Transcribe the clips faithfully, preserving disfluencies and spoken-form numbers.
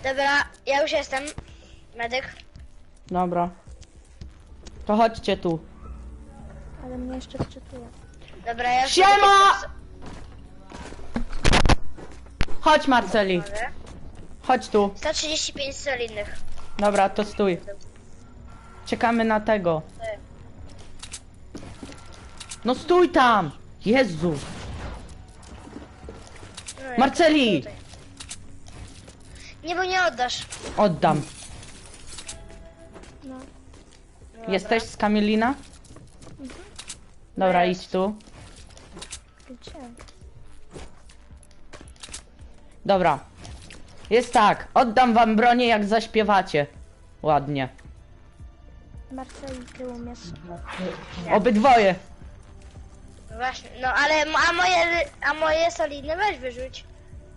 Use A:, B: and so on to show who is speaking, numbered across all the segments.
A: Dobra, ja już jestem. Medyk.
B: Dobra. To chodźcie tu.
C: Ale mnie jeszcze wczytuje.
A: Dobra, ja już
B: Siema!
A: jestem.
B: Chodź Marceli.
A: Dobra.
B: Chodź tu.
A: sto trzydzieści pięć solidnych.
B: Dobra, to stój. Czekamy na tego. No stój tam! Jezu!
A: No, ja
B: Marceli!
A: tutaj. Nie, bo nie oddasz.
B: Oddam.
C: No.
A: No,
B: Jesteś z Kamilina? Dobra,
A: Jest.
B: idź tu.
C: Gdzie?
B: Dobra. Jest tak. Oddam wam bronię, jak zaśpiewacie. Ładnie.
C: Marceli tyłu mnie.
B: Obydwoje.
A: No właśnie, no ale a moje, a moje solidne weź wyrzuć.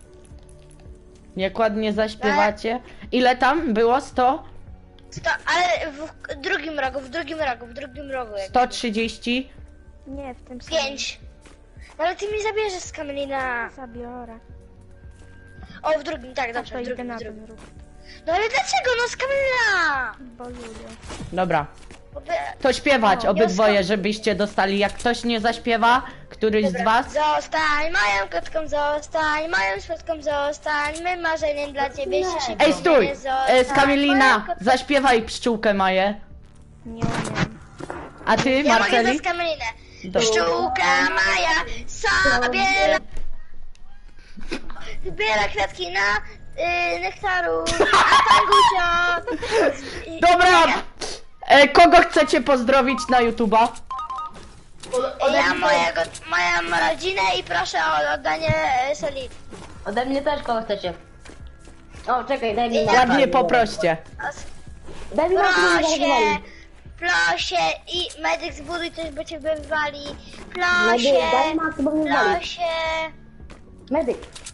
B: Jak ładnie zaśpiewacie. Ile tam było? sto?
A: Sto, ale w drugim rogu, w drugim rogu, w drugim rogu. jak-
B: sto trzydzieści?
C: Nie, w tym samym.
A: Pięć. No ale ty mi zabierzesz z Kamelina.
C: Zabiorę.
A: O, w drugim, tak,
C: A
A: dobrze,
C: to
A: w
C: idę
A: drugim,
C: na
A: w drugim.
C: ten ruch.
A: No ale dlaczego, no z Kamelina?
C: Bo lubię.
B: Dobra.
A: Bo by...
B: To śpiewać
C: O,
B: obydwoje,
A: wioska.
B: żebyście dostali. Jak ktoś nie zaśpiewa, któryś z
A: Dobra.
B: was,
A: Zostań moją kotką, zostań moją świadką, zostań mym marzeniem dla ciebie się szybko.
B: Ej, stój!
A: nie zostań
B: E, z Kamilina,
A: moją kotką.
B: zaśpiewaj pszczółkę Maję.
C: Nie umiem.
B: A ty,
A: Ja mogę
B: Marceli?
A: za Kamelinę.
B: Dobra.
A: Pszczółka Maja sobie zbiera kwiatki na y, nektaru, a Tangusia...
B: Dobra! E, kogo chcecie pozdrowić na YouTube'a?
A: Ja mojego, moją rodzinę i proszę o oddanie y, soli.
D: Ode mnie też kogo chcecie. O, czekaj, daj mi
B: Ładnie poproście.
D: Daj mi mapę, żeby
A: Proszę,
D: zareagowali.
A: proszę i medyk zbuduj coś, bo cię wywali.
D: Medyk, daj
A: Proszę,
D: mapę, bo mnie wywali.
A: proszę.
D: Medyk.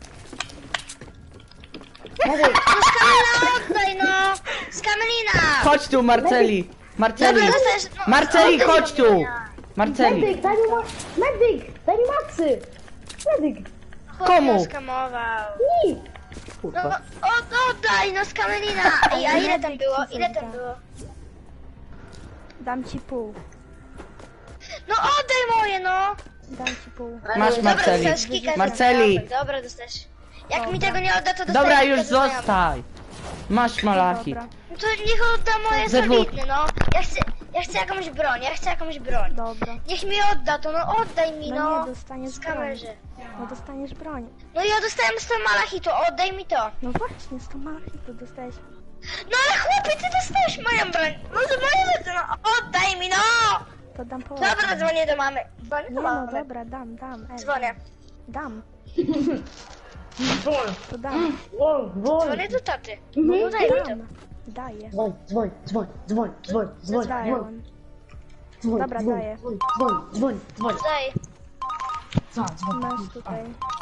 D: Medyk.
A: No z Kamelina oddaj no! Z Kamelina!
B: Chodź tu, Marceli. Marceli.
A: Dobra, dostajesz- no,
B: Marceli,
A: oddaj
B: chodź
A: z
B: tu.
A: Kamelina.
B: Marceli.
D: Medyk, daj mi ma... Medyk, daj mi maksy. Medyk.
B: Komu?
A: Chłop skamował.
D: Nie.
A: No,
D: Kurwa.
A: o, oddaj no z Kamelina! Ej, a ile tam było? Ile tam było?
C: Dam ci pół.
A: No oddaj moje no!
C: Dam ci pół.
B: Masz,
A: Dobra,
B: Marceli.
A: dostajesz kilka
B: Marceli.
A: znajomych. Dobra, dostajesz. Jak mi tego nie odda, to dostajesz
B: Dobra,
A: kilka
B: już
A: znajomych.
B: zostaj. Masz malaki.
C: Dobra,
A: No to niech odda moje
B: Ze dwóch.
A: solidne, no. Ja chcę, ja chcę jakąś broń, ja chcę jakąś broń.
C: dobra.
A: Niech mi odda to, no oddaj mi,
C: No
A: no.
C: nie, dostaniesz
A: Z
C: broń.
A: kamerzy.
C: No dostaniesz broń.
A: No ja dostałem sto malachitu, oddaj mi to.
C: No właśnie, sto malachitu dostałeś.
A: No ale chłopie, ty dostałeś moją broń. No to moje rzeczy, no oddaj mi, no.
C: To dam połowę.
A: Dobra, dzwonię do mamy. Dzwonię
C: Nie
A: do
C: no,
A: mamy.
C: dobra, dam, dam. Ej,
A: Dzwonię.
C: Dam.
D: Dzwoń,
C: To dam.
D: dzwoń, dzwoń.
A: Dzwonię do taty. No daj mi to.
C: Dam. Daję.
D: Dzwoń, dzwoń, dzwoń, dzwoń, dzwoń, dzwoń,
C: Daję
D: dzwoń,
C: on.
D: dzwoń,
C: Dobra,
D: dzwoń,
C: daję.
D: dzwoń, dzwoń, dzwoń, dzwoń.
A: Daj.
D: Co, dzwoń.
C: Masz tutaj.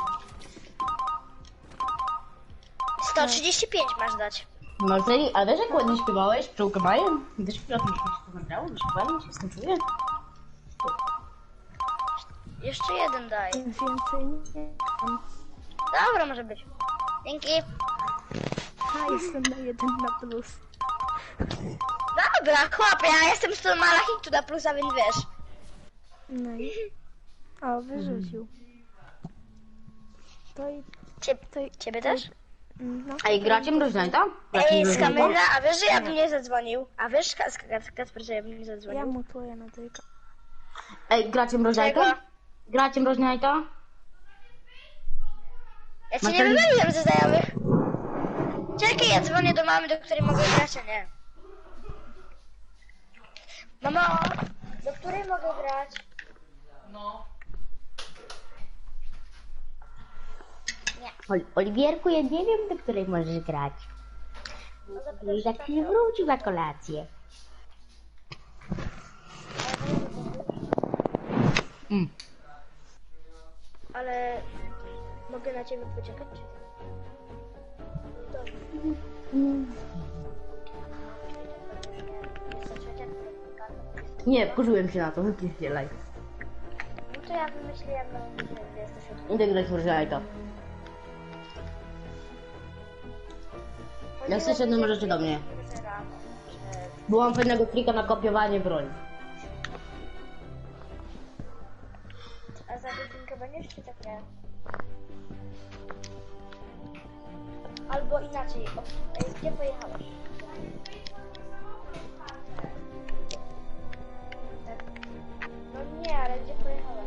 A: sto trzydzieści pięć masz dać.
D: Marceli, a wiesz jak ładnie śpiewałeś pszczółkę Maję? Wiesz, jak mi się to nagrało? Wyśpiewałem się z tym czuję?
A: Jeszcze jeden daj.
C: Więcej nie mam.
A: Dobra, może być. Dzięki.
C: A, jestem na jeden na plus.
A: Dobra, chłopie, ja jestem sto malachitu na plusa, więc wiesz.
C: No i... O, wyrzucił. To i...
A: Cie,
C: To i...
A: ciebie też?
C: No.
D: A i gracie mroźnięta?
A: Ej, z Kamila, a wiesz, że ja bym nie zadzwonił? A wiesz, Ka- Ka- Kacper, że ja bym nie
C: Ja
A: zadzwonił?
C: mutuję na tylko.
D: Ej, gracie mroźnięta?
A: Czego?
D: Gracie mroźnięta?
A: Ja cię nie
D: Marceli-
A: wymyliłem ze znajomych. Czekaj, ja dzwonię do mamy, do której mogę grać, a nie. Mamo, do której mogę grać?
D: Ol- Oliwierku, ja nie wiem, do której możesz grać. I za chwilę wrócił na kolację. Mm.
A: Ale mogę na ciebie poczekać? Dobrze.
D: Nie, wkurzyłem się na to, wypierdzielaj.
A: No to ja wymyśliłem, że jesteś od...
D: Idę grać w mroźnięta. Jak chcesz jedną możecie do mnie. Bo mam fajnego trika na kopiowanie broni.
A: A za godzinkę będziesz czy tak nie? Albo inaczej, o, ej, gdzie pojechałeś? No nie, ale gdzie pojechałeś?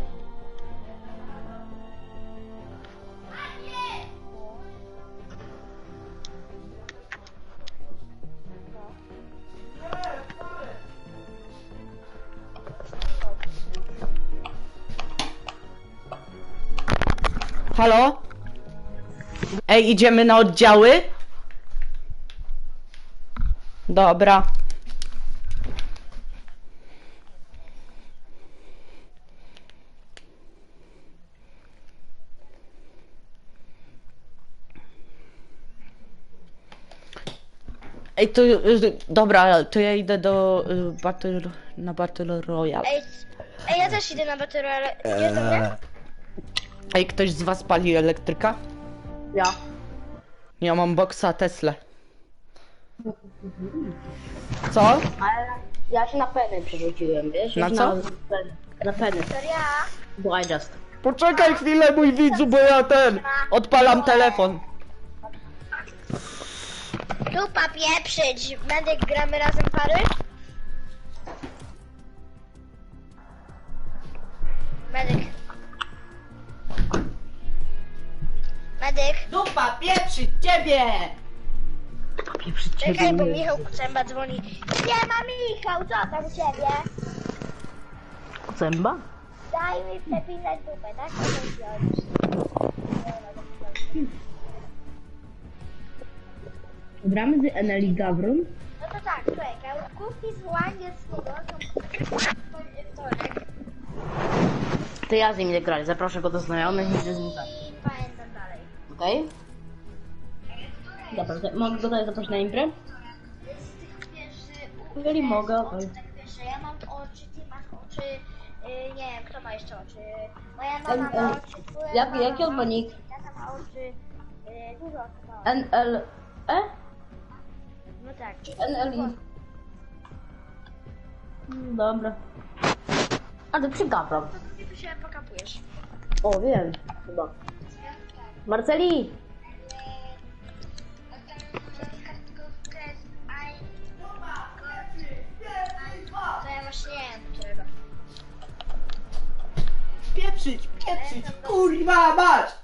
B: Halo? Ej, idziemy na oddziały? Dobra. Ej, to y, dobra, to ja idę do y, Battle, na Battle Royale.
A: Ej, ej, ja też idę na Battle Royale. Idziesz do mnie?
B: Ej, ktoś z was pali elektryka?
D: Ja.
B: Ja mam boksa Tesla. Co?
D: Ale ja się na penę przerzuciłem, wiesz?
B: Na
D: Już
B: co?
D: Na, na penę.
A: To ja.
D: Bo I just.
B: Poczekaj chwilę, mój widzu, bo ja ten odpalam telefon.
A: Dupa pieprzyć. Medyk, gramy razem pary? Medyk. Medyk.
B: Dupa, pieprzy ciebie!
D: Pieprzy
A: Czekaj, bo Michał Kucemba dzwoni. Nie ma Michał, co tam u ciebie?
D: Zęba?
A: Daj mi przepisać dupę, tak? To jest wziąć.
D: Gramy z Eneli Gawron.
A: No to tak, czekaj. Kupi z Łanieckiego są wtorek.
D: To ja z nim idę grać, zaproszę go do znajomych i idę z nim grać.
A: I pamiętam dalej.
D: Okej? Dobra, to mogę go tutaj zaprosić na imprę?
A: Z tych pierwszy...
D: Jeżeli mogę, okej.
A: Tak pierwsze, ja mam oczy, ty masz oczy... Yy, nie wiem, kto ma jeszcze oczy. Moja mama
D: En-
A: ma
D: en-
A: oczy, twoja
D: jak-
A: mama
D: jaki on ma
A: oczy,
D: nick?
A: tata ma oczy. Yy, dużo osób ma oczy.
D: N L E?
A: No tak.
D: N L I. Mm, Dobra. A ty przy Gawron.
A: To ty się pokapujesz.
D: O, wiem, chyba. Marceli!
A: To ja właśnie nie wiem, którego.
B: Pieprzyć, pieprzyć, kurwa mać!